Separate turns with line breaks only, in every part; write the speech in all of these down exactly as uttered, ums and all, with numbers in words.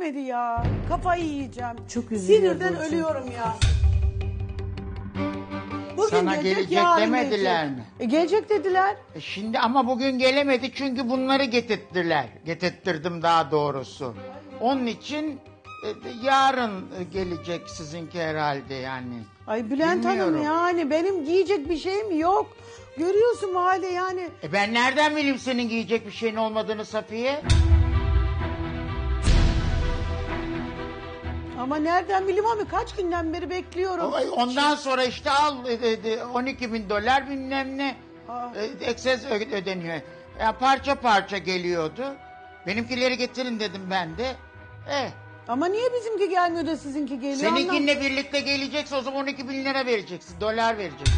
gelmedi ya. Kafayı yiyeceğim.
Çok üzülüyor
Sinirden
Burcu.
ölüyorum ya. Bugün
Sana
gelecek,
gelecek
yarın
demediler
gelecek.
mi?
E, gelecek dediler.
E şimdi ama bugün gelemedi çünkü bunları getirttiler. Getirttirdim daha doğrusu. Onun için e, yarın e, gelecek sizinki herhalde yani.
Ay Bülent Hanım
Bilmiyorum.
yani benim giyecek bir şeyim yok. Görüyorsun bu halde yani.
E ben nereden bileyim senin giyecek bir şeyin olmadığını Safiye?
Ama nereden bileyim abi kaç günden beri bekliyorum.
O- Ondan sonra işte al e, e, on iki bin dolar bilmem ne.
Aa.
E, Ekses ö- ödeniyor. Ya parça parça geliyordu. Benimkileri getirin dedim ben de. Eh.
Ama niye bizimki gelmiyor da sizinki geliyor? Anlam-
Seninkinle birlikte gelecekse o zaman on iki bin lira vereceksin. Dolar vereceksin.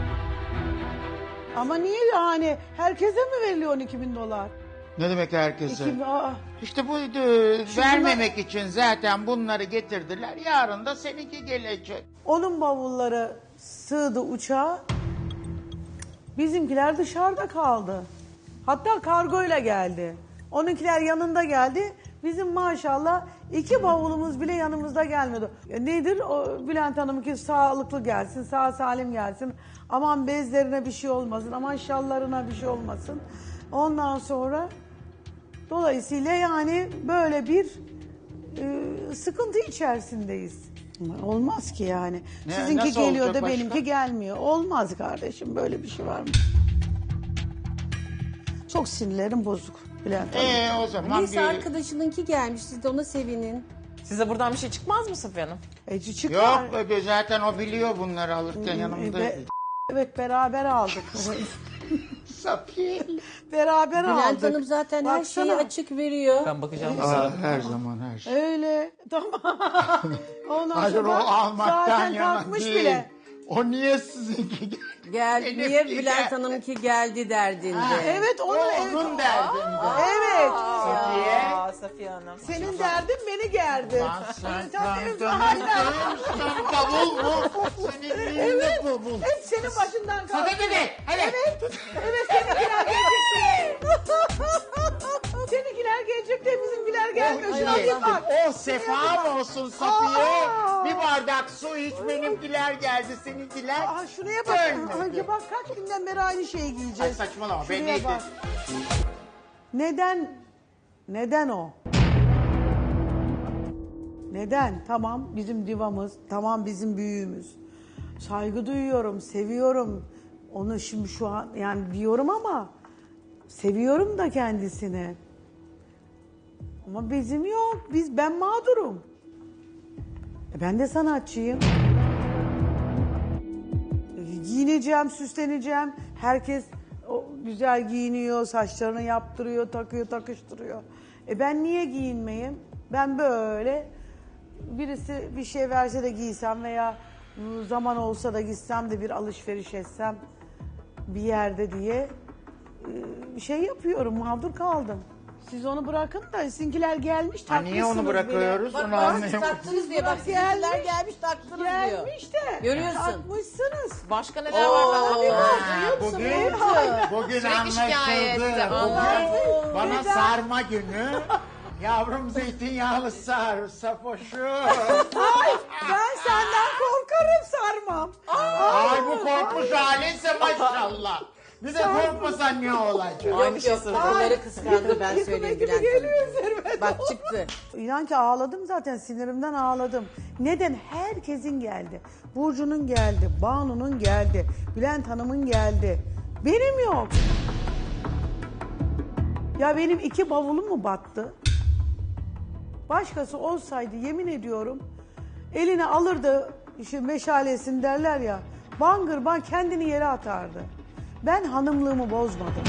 Ama niye yani herkese mi veriliyor on iki bin dolar?
Ne demek herkese?
İki, aa,
İşte bu e, vermemek için zaten bunları getirdiler. Yarın da seninki gelecek.
onun bavulları sığdı uçağa. Bizimkiler dışarıda kaldı. Hatta kargoyla geldi. Onunkiler yanında geldi. Bizim maşallah iki bavulumuz bile yanımızda gelmedi. Ya nedir o Bülent Hanım ki sağlıklı gelsin, sağ salim gelsin. Aman bezlerine bir şey olmasın, aman şallarına bir şey olmasın. Ondan sonra dolayısıyla yani böyle bir e, sıkıntı içerisindeyiz. Ama olmaz ki yani.
Ne-
Sizinki
nasıl
geliyor
olacak
da
başka?
benimki gelmiyor. Olmaz kardeşim böyle bir şey var mı? Çok sinirlerim bozuk Bülent Hanım.
Ee o zaman
Neyse
bir...
arkadaşınınki gelmiş, siz de ona sevinin.
Size buradan bir şey çıkmaz mı Safiye Hanım?
Eci çıkar.
Yok e, zaten o biliyor bunları alırken yanımda.
Be- evet beraber aldık.
Safiye.
beraber aldık.
Bülent Hanım zaten her şeyi
Baksana.
açık veriyor.
Ben bakacağım.
Aa, her zaman her şey.
Öyle. Tamam. Ondan
Hayır o
sonra
almaktan
zaten
yana
kalkmış
değil.
bile.
O niye sizinki geldi?
Gel,
Benimki
niye Bülent
geldi.
Hanım'ki geldi derdinde.
Evet onun,
O onun derdinde.
Evet.
Safiye.
Aa, Safiye Hanım.
Senin derdin beni gerdi.
Lan sen
Sen-
kandın. Sen bavul mu? Senin elinde bavul.
Hep senin başından kalktı.
Hadi hadi. Hadi.
Evet. Evet seninkiler gelecek. Seninkiler gelecek de bizimkiler gelmiyor. Şuna
Ay,
bir bak.
O sefa olsun Safiye.
Aa.
Bir bardak su iç benimkiler geldi seninkiler.
Aa, şuraya bak.
Dönmedi.
Ay, bak kaç günden beri aynı şeyi
Ay
giyeceğiz.
saçmalama ben
Şuraya
neydim?
bak. Neden? Neden o? Neden? Tamam bizim divamız, tamam bizim büyüğümüz. Saygı duyuyorum, seviyorum. Onu şimdi şu an yani diyorum ama seviyorum da kendisini. Ama bizim yok. Biz ben mağdurum. E ben de sanatçıyım. E, Giyineceğim, süsleneceğim. Herkes o güzel giyiniyor, saçlarını yaptırıyor, takıyor, takıştırıyor. E ben niye giyinmeyeyim? Ben böyle birisi bir şey verse de giysem veya ıı, zaman olsa da gitsem de bir alışveriş etsem bir yerde diye ıı, bir şey yapıyorum, mağdur kaldım. Siz onu bırakın da sizinkiler gelmiş
Ha, niye onu
takmışsınız
bırakıyoruz?
Bak
Onu
bak
anlayamadım.
taktınız diye bak
Gelmiş.
sizinkiler gelmiş taktınız
bile.
diyor.
Gelmiş de
Görüyorsun.
takmışsınız.
Başka neler var ben
Oo,
bakayım.
Ha, bugün, bugün
Sürekli şikayet.
anlaşıldı.
Aa.
Bugün bana
Neden?
sarma günü. Yavrum zeytinyağlı sar, sapoşu.
Ay ben senden korkarım sarmam.
Ay bu korkmuş halinse maşallah. Bir de korkmasan ne olacak?
Aynı şey
Yok
söylüyorum.
bunları kıskandı ben
Yıkım
söyleyeyim
ekibi
Bülent
geliyor
Hanım.
üzerime.
Bak çıktı.
İnan ki ağladım zaten sinirimden ağladım. Neden? Herkesin geldi. Burcu'nun geldi, Banu'nun geldi, Bülent Hanım'ın geldi. Benim yok. Ya benim iki bavulum mu battı? Başkası olsaydı yemin ediyorum eline alırdı şu meşalesini derler ya. Bangır bang kendini yere atardı. Ben hanımlığımı bozmadım.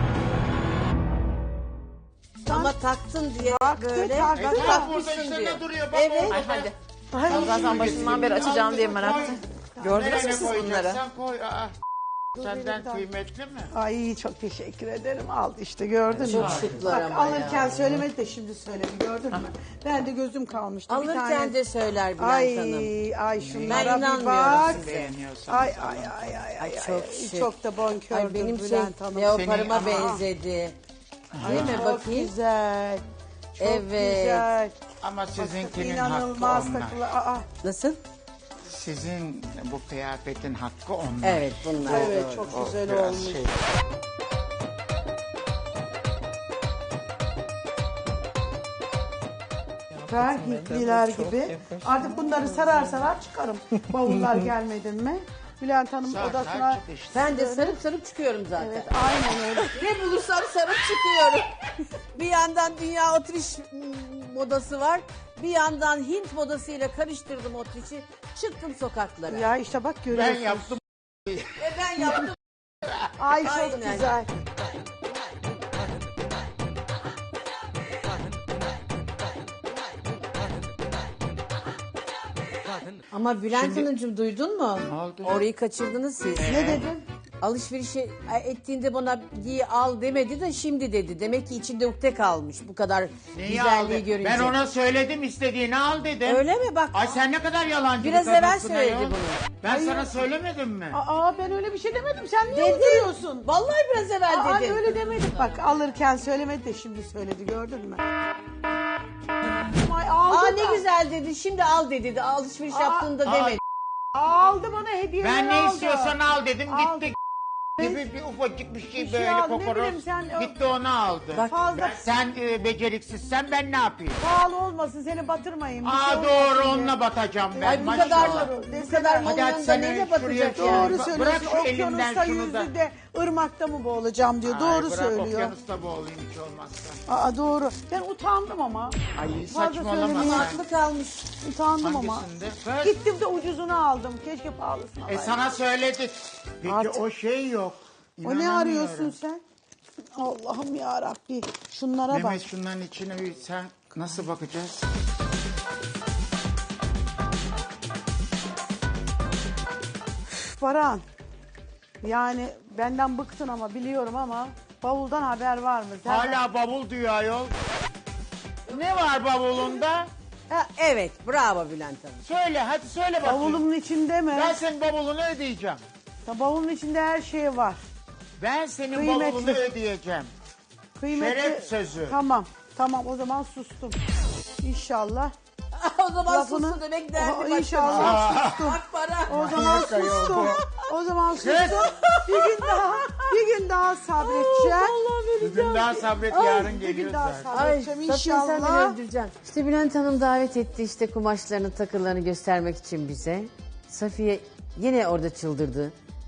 Ama taktın diye böyle.
taktı.
Bak
E, tamam, burada
takmışsın
işte
diyor.
ne duruyor? Bak
Evet.
orada.
Ay hadi.
Ay,
Ben zaten başından beri açacağım diye merak ettim. Gördünüz mü
Nereye
siz bunları?
koyacaksan koy. Aa, senden
benim de-
kıymetli mi?
Ay çok teşekkür ederim. Aldı işte gördün mü?
Çok şıklar
Bak,
ama
alırken
ya.
söylemedi de şimdi söyledi gördün mü? Ben de gözüm kalmıştı. bir
Alırken
tane.
de söyler Bülent
Ay
Hanım.
ay şunlara
Ben
bir
inanmıyorum
bak.
size.
Beğeniyorsan.
Ay ay ay ay ay.
çok
ay.
şık.
Çok da bonkördür
Ay benim şey
Bülent Hanım.
leoparıma
Seni-
benzedi. Değil mi
Çok
bakayım?
güzel. Çok
Evet.
güzel.
Ama sizinkinin
İnanılmaz
hakkı onlar.
takılı. Aa,
Nasıl?
Sizin bu kıyafetin hakkı onlar.
Evet bunlar.
evet
doğru.
çok
O
güzel
biraz
olmuş.
şey.
Süper Hintliler gibi. Artık bunları sarar sarar çıkarım. Bavullar gelmedin mi? Bülent Hanım
Sar, sar
odasına...
çık işte.
Ben de sarıp sarıp çıkıyorum zaten.
Evet aynen öyle.
Ne bulursam sarıp çıkıyorum. Bir yandan dünya otriş modası var. Bir yandan Hint modasıyla karıştırdım otrişi. Çıktım sokaklara.
Ya işte bak
Ben
görüyorsun.
yaptım.
Ve ben yaptım.
Ay çok
Aynen.
güzel.
Ama Bülent
Şimdi-
Hanımcığım duydun mu?
Ne oldu?
Orayı kaçırdınız siz.
Ne dedin?
Alışverişi ettiğinde bana giy al demedi de şimdi dedi. Demek ki içinde ukde kalmış bu kadar
Neyi
güzelliği
aldı?
görünce.
Ben ona söyledim istediğini al dedim.
Öyle mi bak?
Ay sen ne kadar yalancı
Biraz
bir
evvel
kadınsın
söyledi
ayol.
bunu.
Ben sana söylemedim mi?
Aa ben öyle bir şey demedim. Sen niye
Dedi.
uyduruyorsun?
Vallahi biraz evvel
Aa
dedi.
öyle demedik. Bak alırken söylemedi de şimdi söyledi gördün mü? Ay aldı
Aa
da.
ne güzel dedi. Şimdi al dedi. Alışveriş
Aa,
yaptığında
aa.
demedi.
Aldı bana hediyeler
Ben ne
aldı.
istiyorsan al dedim
Al.
gitti. Gibi bir ufacık bir şey
Bir şey
böyle
al, ne
kokoroz.
bileyim sen-
Gitti onu aldı.
Bak,
Fazla
Ben- sen e, beceriksizsen ben ne yapayım?
pahalı olmasın seni batırmayın. bir şey
Aa
olmasın
doğru
diye.
onunla batacağım ben.
Ay bu
maşallah.
kadar
Doğru,
bu
deseler.
kadar
Hadi
malın
hadi
yanında
sen
neyle
şuraya
batacak
koy.
yani?
Doğru
Bırak
söylüyorsun.
şu elimden
Okyanusta
şunu da.
yüzdü de ırmakta mı boğulacağım diyor.
Ay,
doğru
bırak
söylüyor.
okyanusta boğulayım hiç olmazsa.
Aa doğru. Ben utandım ama.
Ay
Fazla
saçmalama
söylemeye
sen.
Aklı kalmış.
Utandım ama.
Hangisinde? Kız.
Gittim de ucuzunu aldım. Keşke pahalısını
E
alaydım.
sana söyledik. Peki
Artık-
o şey yok.
O ne
İnanamıyorum.
arıyorsun sen? Allah'ım ya Rabbi. Şunlara bak.
Mehmet şunların içine bir sen nasıl bakacağız?
Baran. Yani benden bıktın ama biliyorum ama bavuldan haber var mı? Sen-
Hala bavul diyor ayol. Ne var bavulunda?
Ha, evet bravo Bülent Hanım.
Söyle hadi söyle bakayım.
Bavulumun içinde mi?
Ben senin bavulunu ödeyeceğim.
Ya bavulun içinde her şey var.
Ben senin
Kıymetli.
bavulunu ödeyeceğim.
Kıymetli.
Şeref sözü.
Tamam. Tamam o zaman sustum. İnşallah.
o zaman
Lafını-
sustu demek derdi
O-
başka.
İnşallah sustum.
Bak para.
O zaman
Yok, yok,
sustum.
yok.
O zaman sustum. Bir gün daha, bir gün daha sabredeceğim.
Bugün daha sabret
Ay,
yarın
bir
geliyor
gün daha
zaten.
sabredeceğim
Safiye sen beni
inşallah.
öldüreceksin. İşte Bülent Hanım davet etti işte kumaşlarını, takılarını göstermek için bize. Safiye yine orada çıldırdı.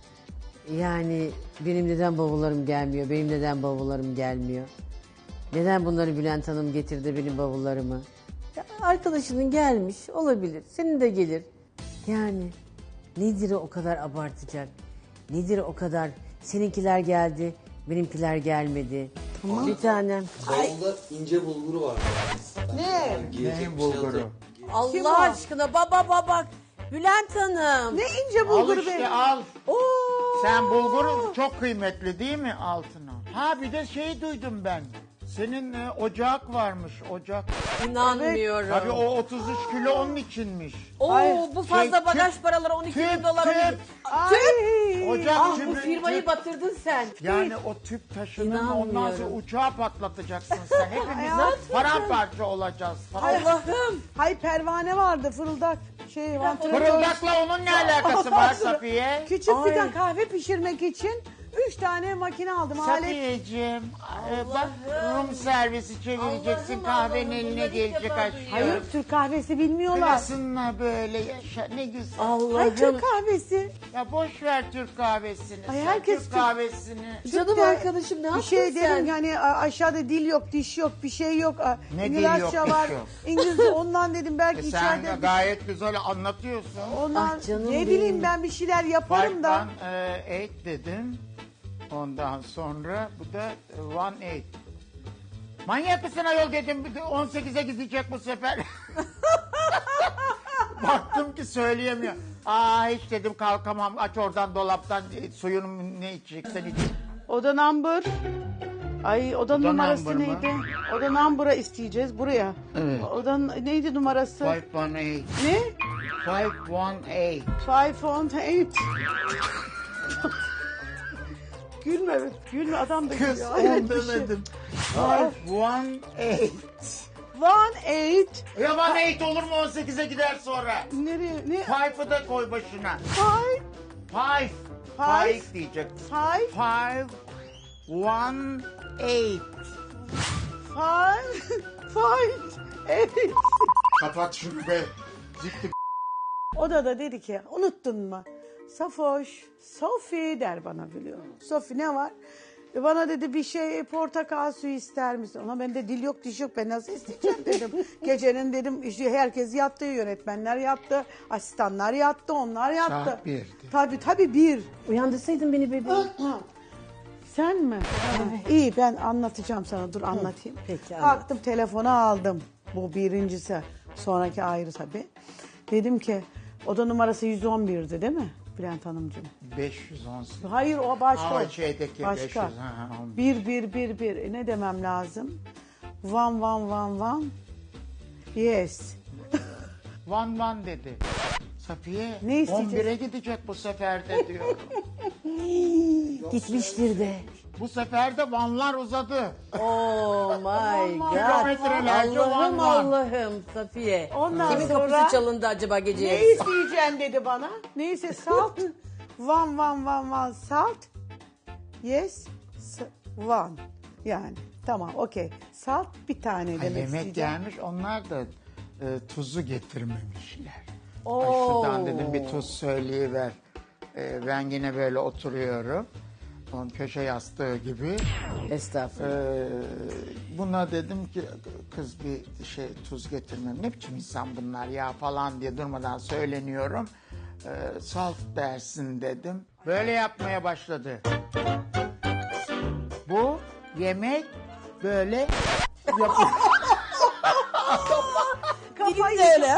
Yani benim neden bavullarım gelmiyor, benim neden bavullarım gelmiyor? Neden bunları Bülent Hanım getirdi benim bavullarımı? Ya arkadaşının gelmiş olabilir, senin de gelir. Yani nedir o kadar abartacak? Nedir o kadar? Seninkiler geldi, benimkiler gelmedi. Bir tanem.
Bavulda ince bulguru var.
Ne?
Giyecek
Neyin
bir şey
bulguru?
atarım.
Kim o?
Allah aşkına baba baba. Bülent Hanım.
Ne ince
Al
bulgur
işte
be.
al.
Oo.
Sen bulgur çok kıymetli değil mi altına? Ha bir de şey duydum ben. Senin e, ocak varmış ocak.
İnanmıyorum.
Tabii o otuz üç kilo onun içinmiş.
Oo
Ay,
bu fazla
şey,
bagaj
tüp-
paraları on iki bin
tüp,
dolara.
tüp.
Ay.
Ocak
Ah bu
tüpü-
firmayı
tüp-
batırdın sen.
Yani o tüp taşının ondan sonra
İnanmıyorum.
uçağı patlatacaksın sen. Hepimiz
Hayatım.
paramparça olacağız.
Allah'ım.
Hay pervane vardı fırıldak. Şey vantilatör.
Fırıldakla onun ne alakası var Safiye?
Küçük
Ay.
fidan kahve pişirmek için üç tane makine aldım. Alet.
Safiyeciğim, e, bak Rum servisi çevireceksin,
Allah'ım,
kahvenin
Allah'ım,
eline
bunları ilk
gelecek
defa
aşkım.
Hayır Türk kahvesi bilmiyorlar.
Klasınla böyle yaşa ne güzel.
Ay
Allah'ım.
Türk kahvesi.
Ya boş ver Türk kahvesini.
Ay,
sen
herkes
Türk
Türk-
kahvesini.
Canım
Türk'te
arkadaşım ne
bir
yaptın
şey
sen?
dedim ki hani a- aşağıda dil yok, diş yok, bir şey yok. A,
Ne dil
İngilizce
yok, diş
var.
yok?
İngilizce ondan dedim belki
E sen
içeride.
gayet güzel anlatıyorsun.
Ondan
Ah canım
ne
benim.
bileyim ben bir şeyler yaparım
Five
da.
one e, eight dedim. Ondan sonra bu da e, one eight. Manyak mısın ayol dedim. Bir de on sekize gidecek bu sefer. Baktım ki söyleyemiyor. Aa hiç dedim kalkamam. Aç oradan dolaptan e, suyunu ne içeceksen iç.
Oda number. Ay oda, numarası
number mı?
neydi? Oda number'a isteyeceğiz buraya.
Evet.
Oda neydi numarası?
Five one eight.
Ne?
Five one eight.
Five on eight. Gülme, gülme adam da
Kız
gülüyor. Hayret
on
bir şey.
demedim. Five one eight.
One eight.
Ya bana eight olur mu on sekize gider sonra?
Nereye? Ne?
Five'ı da koy başına.
Five.
Five.
Five.
Five diyecek.
Five.
Five. One. Eight.
Five. Five. Eight.
Kapat şunu be. Zikti.
O da da dedi ki unuttun mu? Safoş, Sofi der bana biliyor. Sofi ne var? E bana dedi bir şey portakal suyu ister misin? Ona bende dil yok diş yok ben nasıl isteyeceğim dedim. Gecenin dedim işte herkes yattı, yönetmenler yattı, asistanlar yattı, onlar yattı.
Saat birdi.
Tabii tabii bir.
Uyandırsaydın beni bebeğim.
Sen mi? Ha, İyi ben anlatacağım sana dur anlatayım.
Peki, anlat.
Kalktım telefonu aldım. Bu birincisi. Sonraki ayrı tabii. Dedim ki oda numarası yüz on birdi değil mi Bülent Hanımcığım?
beş yüz on sekiz.
Hayır o başka.
Aa, şeydeki
başka.
beş yüz, ha, ha, on.
Bir bir bir bir. E, ne demem lazım? Van van van van. Yes.
Van van dedi. Safiye
Ne isteyeceğiz?
on bire gidecek bu sefer de diyorum.
Gitmiştir de.
Bu sefer de vanlar uzadı.
Oh my god.
Kilometrelerce
Allah'ım
van van.
Allah'ım Safiye.
Ondan
Kimin
sonra-
kapısı çalındı acaba gece
Ne
yarısı?
isteyeceksin dedi bana. Neyse salt. Van van van van salt. Yes. s- Van. Yani tamam okey. Salt bir tane
Ay,
demek
yemek
isteyeceğim.
gelmiş onlar da e, tuzu getirmemişler. Ay
Oo.
şuradan dedim bir tuz söyleyiver. E, ben yine böyle oturuyorum. Onun köşe yastığı gibi.
Estağfurullah.
E, buna dedim ki kız bir şey tuz getirmem. Ne biçim insan bunlar ya falan diye durmadan söyleniyorum. E, salt dersin dedim. Böyle yapmaya başladı. Bu yemek böyle yapıyor.
Kafayı
Dilim de öyle ha.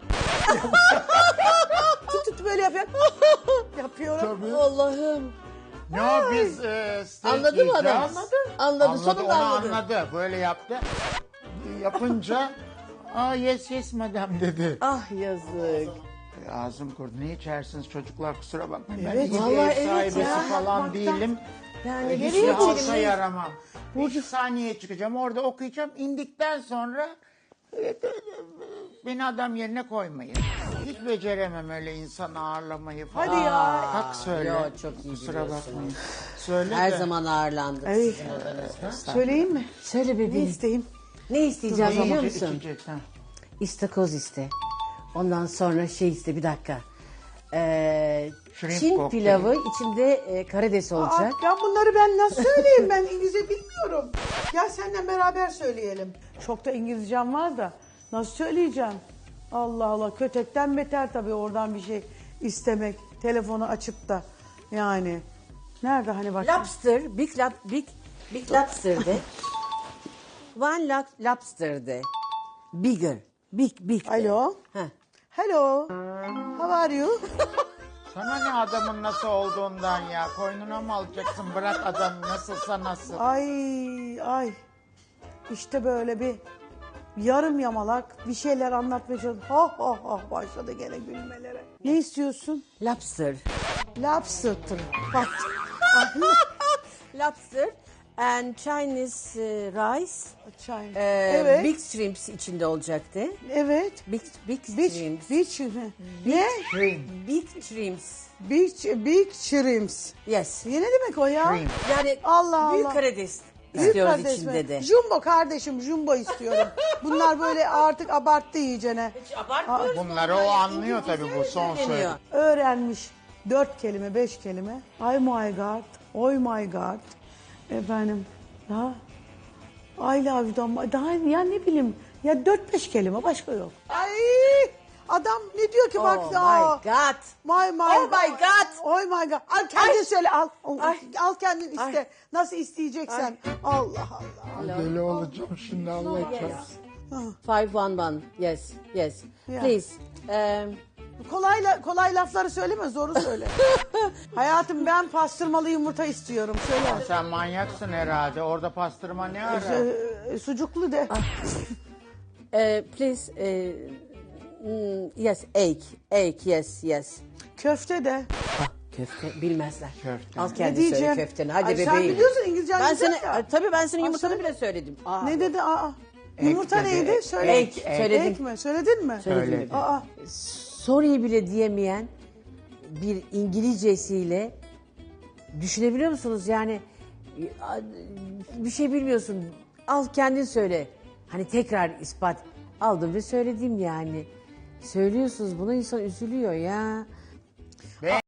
tut tut böyle yapıyor. Yapıyorum.
Tabii.
Allah'ım.
Ne o biz e, steak
Anladı mı adam?
yiyeceğiz.
Anladı. Anladı, sonunda
onu
anladı.
anladı. Böyle yaptı. Yapınca aa yes yes madam dedi.
Ah yazık.
E, ağzım kurudu. Ne içersiniz çocuklar kusura bakmayın.
Evet,
ben iyi bir
vallahi
ev
evet
sahibesi
ya.
falan
Baktan-
değilim.
Yani
E,
nereye
hiçbir halka
gidelim?
yaramam. Bir saniye çıkacağım orada okuyacağım. İndikten sonra e, beni adam yerine koymayın. Hiç beceremem öyle insan ağırlamayı falan.
Hadi ya.
Kalk söyle.
Yo, çok iyi
Kusura
biliyorsun.
bakmayın. Söyle
Her
de.
zaman ağırlandık.
Ay, söyleyeyim mi?
Söyle
Ne
bebeğim.
isteyeyim?
Ne isteyeceğim
Ne
biliyor
yiyecek,
musun?
içecek, ha?
İstakoz iste. Ondan sonra şey iste bir dakika. Ee,
Shrimp
Çin
kokteyl.
pilavı içinde e, karides
Aa,
olacak.
ben bunları ben nasıl söyleyeyim? Ben İngilizce bilmiyorum. Gel seninle beraber söyleyelim. Çok da İngilizcem var da nasıl söyleyeceğim? Allah Allah kötekten beter tabii oradan bir şey istemek. Telefonu açıp da yani. Nerede hani bak.
Lobster, big lab, big big lobster de. One lo- lobster de. Bigger, big big. de.
Alo.
Heh.
Hello. How are you?
Sana ne adamın nasıl olduğundan ya. Koynuna mı alacaksın? Bırak adam nasılsa nasıl.
Ay ay. İşte böyle bir yarım yamalak bir şeyler anlatmaya çalışıyor. Ha ha ha başladı gene gülmelere. Ne istiyorsun?
Lobster.
Lobster. Bak.
Lobster and Chinese e, rice.
Çay.
e,
evet.
Big shrimps içinde olacaktı.
Evet.
Big big
Beach,
shrimps.
beach, mi? Ne?
Shrimp.
Big shrimps.
Beach, big shrimps.
Yes.
Ne demek o ya?
Shrimp.
Yani
Allah
büyük
Allah.
karides
Büyük
istiyoruz
kardeş mi?
içinde de.
Jumbo kardeşim, jumbo istiyorum. Bunlar böyle artık abarttı iyicene.
Abartmıyoruz.
Bunları o anlıyor tabii bu son söyledi.
söyleniyor.
Öğrenmiş dört kelime, beş kelime. Ay my god, oy my god. Efendim, daha I love you'dan, daha ya ne bileyim, ya dört beş kelime başka yok. Ay adam ne diyor ki bak.
Oh
aa,
my god.
My, my
Oh my God.
Oh my god. Al kendin söyle al.
Ay.
Al kendin iste.
Ay.
Nasıl isteyeceksen. Allah Allah.
Deli olacağım şimdi Allah çarpsın.
Five one one. Yes, yes.
Yeah.
Please. Um,
Kolay, la- kolay lafları söyleme, zoru söyle. Hayatım ben pastırmalı yumurta istiyorum. Söyle.
Sen manyaksın herhalde. Orada pastırma ne ara?
Ee, sucuklu de.
uh, please. Uh, mm, yes, egg. Egg. Yes, yes.
Köfte de.
Ah, köfte bilmezler.
Köfte.
Al
Ne
kendi söyle
diyeceğim?
köfteni. Hadi
Ay,
bebeğim.
sen biliyorsun İngilizcen
Ben
güzel
seni,
ya.
Ay, tabii ben senin
Al
yumurtanı
söyle.
bile söyledim. Aa,
Ne dedi? Aa. Yumurta
dedi.
neydi? Söyle.
Ek, ek. Söyledim.
Ek mi? Söyledin mi?
Söyledim.
Söyledi.
Aa,
Sorry bile diyemeyen bir İngilizcesiyle düşünebiliyor musunuz? Yani bir şey bilmiyorsun. Al kendin söyle. Hani tekrar ispat. Aldım ve söyledim yani. Söylüyorsunuz bunu, insan üzülüyor ya.